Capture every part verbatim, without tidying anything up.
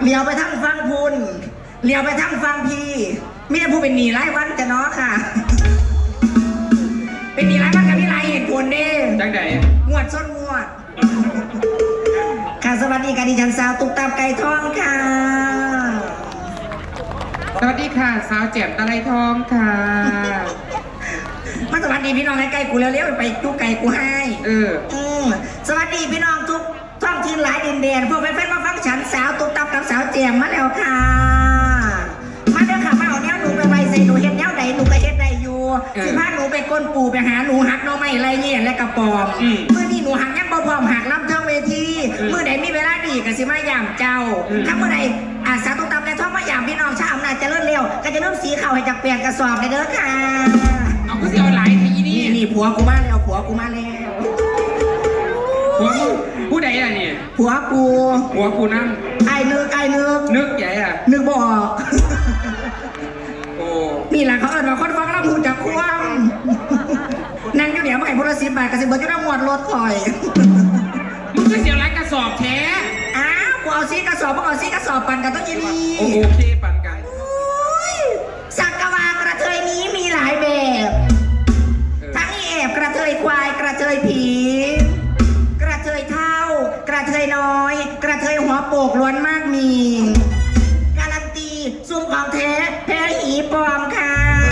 เลี้ยวไปทั้งฟังพุนเลี้ยวไปทั้งฟังพีมีแต่ผู้เป็นหนีไล่วันจะเนาะค่ะเป็นหนีไล่วันกับมีไรเหตุผลเด้จังใดงวดส้นงวดค่ะสวัสดีค่ะดิฉันสาวตุ๊กตาไก่ทองค่ะสวัสดีค่ะสาวแจ่มตะไลทองค่ะมาสวัสดีพี่น้องใกล้ๆกูเร็วๆไปจุกไก่กูให้เอออืมสวัสดีพี่น้องทุกท้องถิ่นหลายดินแดนพวกแฟนๆมาฟังฉันสาวตุ๊กตากับสาวแจ่มมาแล้วค่ะมาเด้อค่ะมาเอาแนวหนูไปไว้ใส่หนูเฮ็ดแนวใดหนูก็เฮ็ดได้อยู่สิพาหนูไปก้นปูไปหาหนูหักน้องไม้ไรเงี้ยและกระปอมเมื่อนี้หนูหักยังบ่พร้อมหักรับเทิงเวทีเมื่อใดมีเวลาดีก็สิมาย่ำเจ้าถ้าเมื่อใดอาสาตุ๊กตาในท้องมาย่ำพี่น้องชาวอำนาจเจริญเร็วก็จะเริ่มสีเข่าให้จากเปลี่ยนกระสอบเลยเด้อค่ะเอาก็สิเอาหลายทีนี้นี่ผัวกูมาแล้วผัวกูมาแล้วผัวกูผู้ใดล่ะนี่ผัวกูผัวกูนั่งไอ้นึกไอ้นึกนึกใหญ่อ่ะนึกบ่ออกโอ้นี่แหละเขาเอิ้นว่าคนฟังแล้วหูจักความนั่งอยู่เดี๋ยวมาให้พลสิบบาทกระสิบเบิร์ดจะได้หมวดรถคอยมึงก็เสียไรกระสอบแท้อ้าวกูเอาซีกระสอบมึงเอาซีกระสอบปั่นกันต้องยินดีโอเคปั่นกันสักกะวากระเทยนี้มีหลายแบบทั้งอีแอบกระเทยควายกระเทยผีกระเทยเท่ากระเทยน้อยกระเทยหัวโปกล้วนมากมีการันตีซุ่มของแท้แพ้หีปลอมค่ะ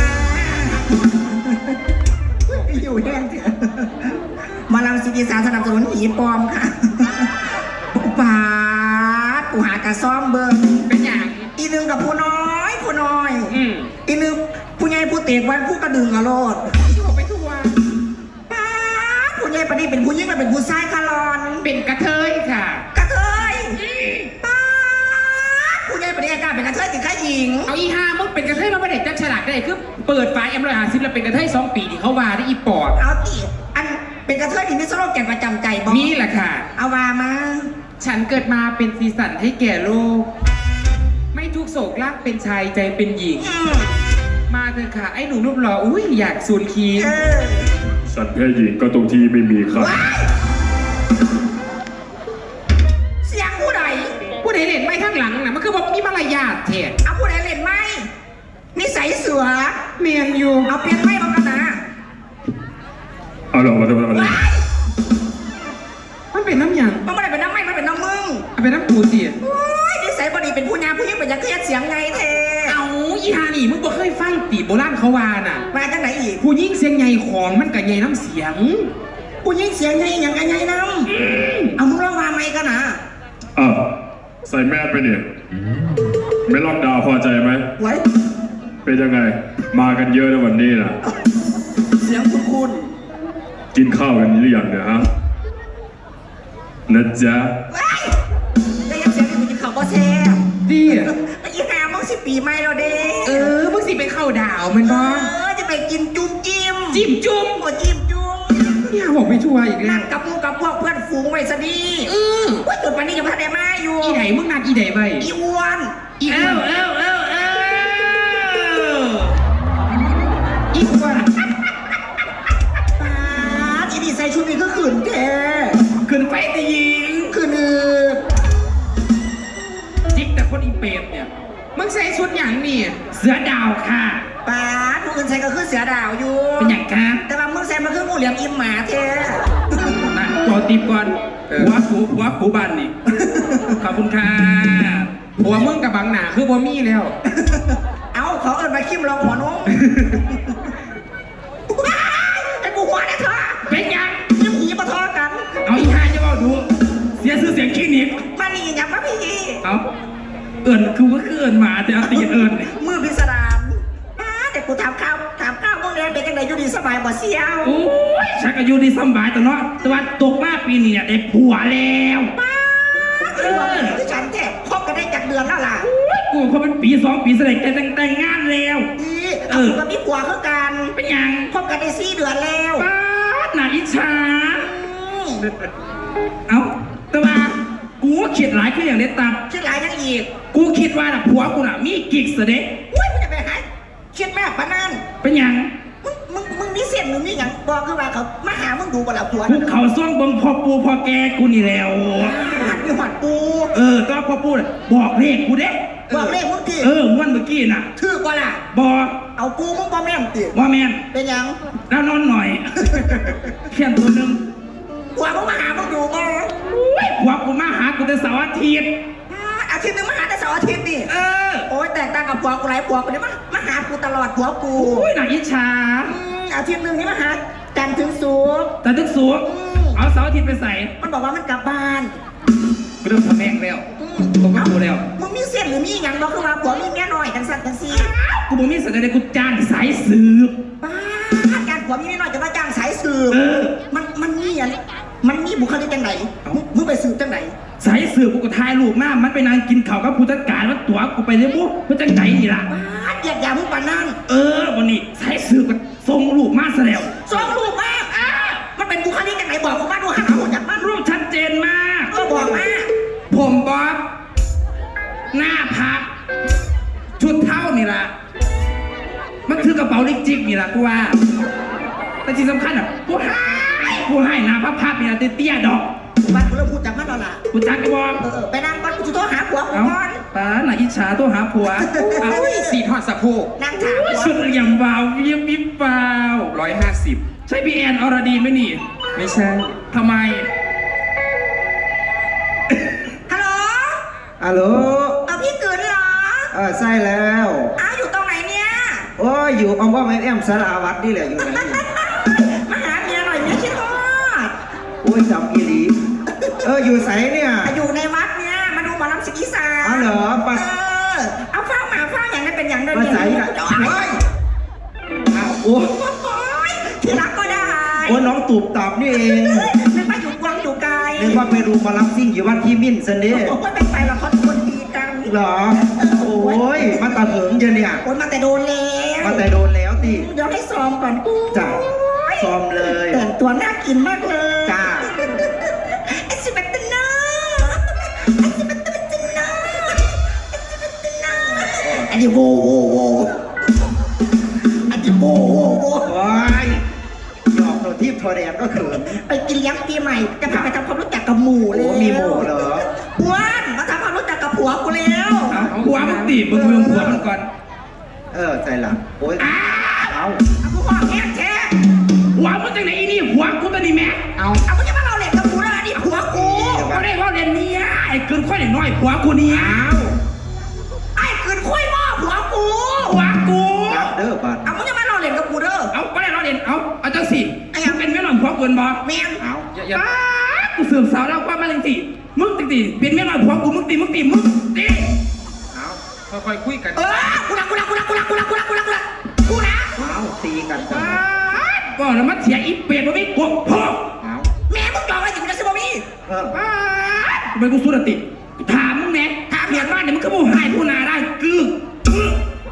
อยู่แห้งเถอะมาลำซีดีสารสนับสนุนหีปลอมค่ะปาดกูหากระซ่อมเบิ้งเป็นอย่างอีนึงกับผู้น้อยผู้น้อยอืมอีนึงผู้ใหญ่ผู้เตะวันผู้กระดึงอรรถที่บอกไปทั่วปาดผู้ใหญ่ปะนี่เป็นผู้ยิ่งมันเป็นผู้ชายคารอนเป็นกระเทยค่ะกระเทยปาดผู้ใหญ่ปะนี่กล้าเป็นกระเทยถึงข้าหญิงเอาอีห้ามึงเป็นกระเทยมาประเด็นจักฉลาดได้คือเปิดไฟเอ็มร้อยห้าสิบแล้วเป็นกระเทยสองปีที่เขาว่าได้อีปอดเอาตีอันเป็นกระเทยที่มีโซโล่แก่ประจำใจบอกนี่แหละค่ะเอาว่ามาฉันเกิดมาเป็นสีสันให้แก่โลกไม่ทุกโศกลากเป็นชายใจเป็นหญิงมาเถอะค่ะไอ้หนูรูปหล่ออุ้ยอยากสูนคีสัตว์เพศหญิงก็ตรงที่ไม่มีครับเสียงผู้ใดผู้ใดเล่นไม่ข้างหลังนะมันคือบอกมีมารยาทเถอะเอาผู้ใดเล่นไม่นิสัยเสือเมียนอยู่เอาเปลี่ยนไม่บ้างกันนะเอาลองมาดูมาดูมันเป็นน้ำยังมันไม่ได้เป็นน้ำไม่มันเป็นน้ำมึงเป็นน้ำปูเตี๋ยโอ้ยนิสัยบดีเป็นผู้งานผู้ยิ่งเป็นยักษ์เครียดเสียงไงเทเอาอีฮานี่มึงบ่เคยฟังตีโบราณเขาว่าน่ะมาจากไหนอีกผู้ยิ่งเสียงใหญ่ของมันกับใหญ่น้ำเสียงผู้ยิ่งเสียงใหญ่อย่างกันใหญ่น้ำเอามึงร้องว่าไม่กันนะอ่ะใส่แมสไปเนี่ยไม่ล็อกดาวพอใจไหมไว้เป็นยังไงมากันเยอะในวันนี้นะเสียงคุณคุณกินข้าวกันหรือยังเนี่ยฮะนะจ๊ะได้ยังเสียงที่กินข้าวก็แซ่บดีไอ้ยี่ห้ามึงสิปีใหม่แล้วเด้เออมึงสิไปเข้าดาวมันบ้างเออจะไปกินจุ่มจิ้มจิ้มจุ่มโอ้จิ้มจุ่มเนี่ยบอกไม่ช่วยอีกแล้วนั่งกับมึงกับพวกเพื่อนฝูงไว้ซะดีเออว่าจุดวันนี้ยังพัฒนามาอยู่อีไหนมึงนัดอีไหนไปอีอ้วนอีอ้วนเออเออเอออีอ้วนป้าอีนี่ใส่ชุดนี้ก็ขืนแท้ขืนไปแต่ยิงขืนเออจิ๊กแต่คนอีเปรมเนี่ยมึงใส่ชุดอย่างนี่เสือดาวค่ะป้าผู้อื่นใส่ก็คือเสือดาวอยู่เป็นอย่างค่ะแต่ว่ามึงใส่มาคืองูเหลี่ยมอิ่มหมาแท้นะขอตีก่อนหัวกูหัวกูบันนี่ขอบคุณค่ะหัวมึงกับบังหนาคือบ่มีแล้วเอาขอเอิญมาคิมลองหัวน้องไอ้กูหัวได้เถอะเป็นยังยิ้มหีมาทอกันเอาอีห่าจะบอกดูเสียชื่อเสียงขี้หนิบมานี่ยังมาพี่เอาเอิญคือว่าคือเอิญหมาแต่เอาตีเอิญมือพิสดารแต่กูถามข้าวถามข้าวมึงเรียนเป็นยังไงอยู่ดีสบายบ่เสียวโอ้ยฉันก็อยู่ดีสบายแต่เนาะแต่ว่าตกมาปีนี้เนี่ยได้ผัวแล้วป้าเออคือฉันแท้คบกันได้จากเดือนแล้วล่ะกูเขาเป็นปีสองปีเสร็จแต่แต่งงานแล้วเออกับพี่ผัวคือกันเป็นยังคบกันได้สี่เดือนแล้วป้าหนาอิจฉาเอ้าแต่ว่ากูคิดหลายคืออย่างเด็ดตับคิดหลายยังอีกกูคิดว่าน่ะผัวกูน่ะมีกิ๊กเสด็จอุ้ยมึงจะไปหาคิดแม่ปะนั่นเป็นยังมึงมึงมึงมีเสียงมึงมีอย่างบอกคือว่าเขามาหามึงดูบ่ล่ะผัวกูเขาซ่องบังพอปูพอแกกูนี่แล้วหัดมีหัดปูเออก็พ่อพูดบอกเลขกูเด้บอกเลขมึงกี่เออวันเมื่อกี้น่ะถือกว่าล่ะบอกเอากูมึงบ่แม่นติว่าแมนเป็นหยังแล้วนอนหน่อย เขียนตัวหนึ่งกว่ามึงมาหามึงอยู่บ่อุ้ยหัวกูมาหากูแต่เสาร์อาทิตย์อาทิตย์หนึงมาหาแต่เสาร์อาทิตย์นี่เออโอ้ยแตกต่างกับผัวกูหลายผัวกูเนี่ยมามาหากูตลอดผัวกูอุ้ยหนังอิจฉาอืมอาทิตย์หนึงนี่มาหาจันทร์ถึงศุกร์แต่ตึกสูงเอาเสาร์อาทิตย์ไปใส่มันบอกว่ามันกลับบ้านกูเริ่มทำแม่งแล้วอืมผมก็กูแล้วมึงมีเส้นหรือมีหยังบอกขึ้นมาผัวมีเมียน้อยจังสันจังซีกูบอกมีสัญญาณกูจ้างสายสืบป้าดการผัวมีเมียน้อยจะมาจ้างสายสืบเออมันมันมีอันมันมีบุคลิกจังไหนมึงมึงไปสืบจังไหนสายสืบกูก็ถ่ายรูปหน้ามันไปนางกินข้าวกับผู้จัดการว่าตัวกูไปเรียบุเพื่อจังไหนนี่ล่ะป้าดเหยียดหยามมึงปานนั่นเออวันนี้สายสืบก็ส่งรูปมาซะแล้วสองรูปมากอ่ะมันเป็นบุคลิกจังไหนบอกกูมาดูหันเอาหัวจากมันรูปชัดเจนมากก็บอกมาผมบ๊อบหน้าพัก ชุดเท่านี่ล่ะ มันคือกระเป๋าลิกจิกนี่ล่ะกูว่า แต่ที่สำคัญอ่ะกูให้กูให้หน้าพับพับนี่ล่ะเตี้ยๆดอกบ้านกูเริ่มพูดจากมันแล้วล่ะกูจักกระบอกเออเออไปนั่งก่อนกูจะโทรหาผัวกูเอ้าก่อนป้าหน่าอิจฉาตัวหาผัวเอาอุ้ยสีทอดสะโพกนั่งถามผัวชุดอย่างวาวเยี่ยมวิบวาวร้อยห้าสิบใช่พี่แอนอรดีไหมนี่ไม่ใช่ทำไมฮัลโหลฮัลโหลเอาพี่เกิดเหรอเออใช่แล้วอ้าวอยู่ตรงไหนเนี่ยโอ้ยอยู่อมว่าแม่แอมสาราวัดนี่แหละอยู่ไหนนี่มาหาเมียหน่อยเมียคิดฮอดโอ้ยจำอีหลีเอออยู่ไสเนี่ยอยู่ในวัดเนี่ยมาดูหมอลำสิอีสานอ๋อเหรอปะเออเอาฟ้าหมาฟ้าอย่างนั้นเป็นอย่างนั้นมาใส่เนี่ยกันโอ้ยอ้าวโอ้โอ้ยที่รักก็ได้โอ้ยน้องตูบตอบนี่เองนึกว่าอยู่กวางอยู่ไกลนึกว่าไปดูหมารับซิ่งอยู่วัดที่มิ่นซันเด้โอ้ยไม่ไปหรอกเขาคนดีกันเหรอ โอ้ยมาตาเหิงเจเนี่ยโอ้ยมาแต่โดนแล้วมาแต่โดนแล้วติเดี๋ยวให้ซ้อมก่อนจ้ะซ้อมเลยแต่งตัวน่ากินมากเลยจ้าไอ้สิบเอ็ดตันเนอไอ้สิบเอ็ดตันเนออันนี้โวโวโวอันนี้โวโวโวโอ้ยหยอกตัวทิพย์ทอแดนก็เขินไปกินเลี้ยงปีใหม่จะพาไปทำความรู้จักกับหมู่เลยโอ้มีหมู่เหรออ้วนมาทำความรู้จักกับผัวกูแล้วเอาผัวมึงตีมึงเมืองผัวมันก่อนเออใจหลังโอ้ยเอาเอากูบอกแง่แท้ผัวมึงจังไหนอีนี่ผัวกูตัวนี้แม่เอาเอามึงจะมาเราเล่นกับกูแล้วนี่ผัวกูก็ได้ว่าเรียนเนี้ยไอ้เกินค่อยน้อยผัวกูเนี่ยไอ้คืนคุยหม้อผัวกูผัวกูรับเด้อบัดเอามึงจะมาเราเล่นกับกูเด้อเอาก็ได้เราเรียนเอาเอาจังสิไอ้หยังมึงเป็นแม่หน่อยผัวเกินบ่แม่งเอาอย่าอย่าอ้ากูสืบสาวแล้วว่ามาจังสิมึงจริงสิเป็นแม่หน่อยผัวกูมึงตีมึงตีมึงตีเอาค่อยๆคุยกันเออกูรักกูรักกูรักกูรักกูรักกูรักกูรักกูรักกูนะเอาตีกันกันอ้าก็แล้วมันเสียอีเป็ดมันไม่กบพ่อเอาแม่มึงจองอะไรอยู่นะซิบอมี่เอออ้าทำไมกูสุดติถามมึงแม่ถามเมียบ้านเนี่ยมึงก็มูหายผู้นาได้กึกกึก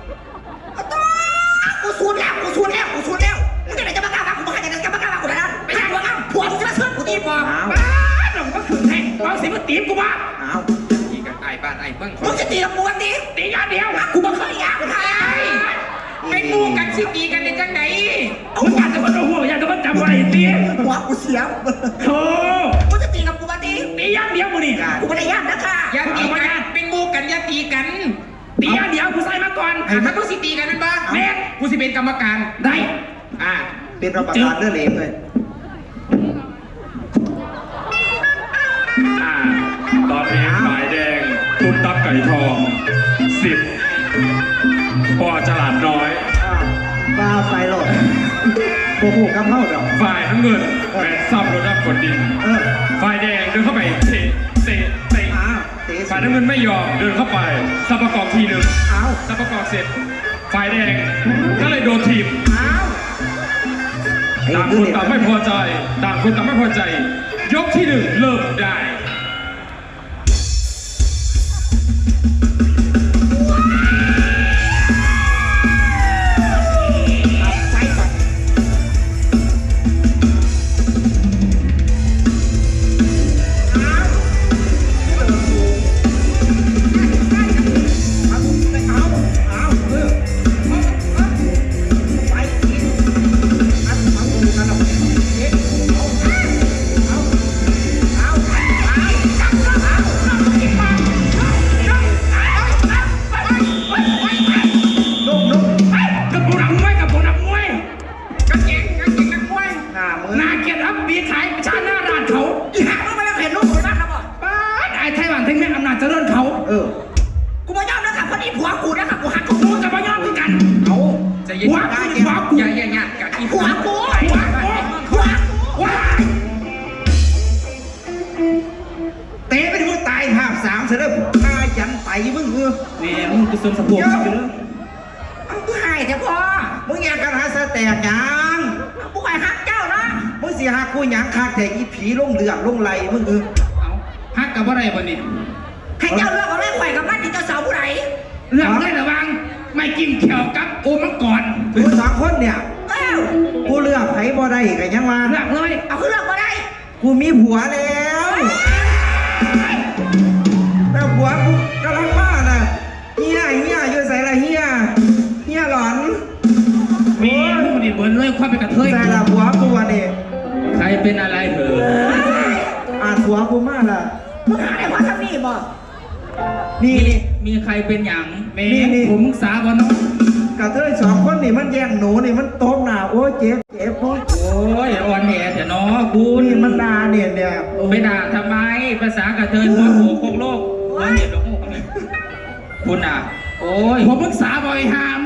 กูสูนแล้วกูสูนแล้วกูสูนแล้วมึงจะไหนจะมากล้ามากูมาจะไหนจะมากล้ามากูนะไม่ใช่ผัวอ้ำผัวมึงจะมาเชื่อกูตีบอกเอาอ้าหนุ่มก็ขืนให้เอาสิมาตีมกูบ้าเอาตีกันไอ้บ้านไอ้เบิ้งมึงจะตีกับกูวันนี้ตีอย่างเดียวกูบอกเคยอยากใครไปมูกันสิตีกันในจังไหนมึงอยากจะมาโดนหัวอยากจะมาจับอะไรตีหัวกูเสียโธ่มึงจะตีกับกูวันนี้ตีอย่างเดียวมึงนี่กูไม่ได้ยากนะค่ะอย่าตีกันเป็นมูกันอย่าตีกันตีอย่างเดียวกูใส่มาก่อนอ่ะถ้ากูสิตีกันเป็นบ้าแม่งกูสิเป็นกรรมการได้อ่าเป็นรับประทานเลือดเหลวเลยอ่าตอนนี้ฝ่ายแดงตุ๊บตับไก่ทองสิบปอฉลาดน้อยบ้าไปหรอกโอ้โหกำเท่าดอกฝ่ายน้ำเงินแบนซับรถรับกดดินเออฝ่ายแดงเดินเข้าไปเตะเตะเตะอ้าวเตะฝ่ายน้ำเงินไม่ยอมเดินเข้าไปสับประกอบทีหนึ่งเอาสับประกอบเสร็จ ฝ่ายแดงก็เลยโดนทีมเอาต่างคนต่างไม่พอใจ ต่างคนต่างไม่พอใจ ยกที่หนึ่งเริ่มได้เอาเตะไปที่มึงตายภาพสามเสร็จแล้วพายันไตมึงเออแม่มึงกูสมสะโพกอยู่เลยเอาผู้หายเถอะพ่อมึงอยากกันหาสแตกหยังผู้หายฮักเจ้าเนาะมึงสิหากูหยังคาแต่อีผีลงเลือดลงไหลมึงเออเอาฮักกับอะไรบ่นี่ให้เจ้าเลือกเอาเรื่องข่อยกับมันที่เจ้าสาวผู้ใดเรื่องได้ระวังไม่กินเขียวกับโอมังกรกูสองคนเนี่ยเอ้ากูเลือกไผบ่ได้กันยังว่าเลือกเลยเอาคือเลือกมาได้กูมีผัวแล้วแต่ผัวกูกำลังบ้าน่ะเฮียเฮียอยู่ใส่ละเฮียเฮียหลอนมีมึงนี่เบิร์นเลยความเป็นกระเทยใส่ละผัวกูอ่ะนี่ใครเป็นอะไรเถอะอ่านผัวกูมากล่ะมึงหาได้พ่อทำนี่บ่นี่นี่มีใครเป็นหยังแม่นี่นี่ผมมึงสาบอน้องกระเทยสองคนนี่มันแย่งหนูนี่มันโต๊ะหนาโอ้ยเจ็บเจ็บโอ้ยโอ้ยอ่อนแอแต่น้อคุณนี่มันด่าเนี่ยเนี่ยไปด่าทำไมภาษากระเทยหัวโขกโคกโลกหัวเหยียดหัวโขกนี่คุณอ่ะ โอ้ยผมมึงสาบอยหาม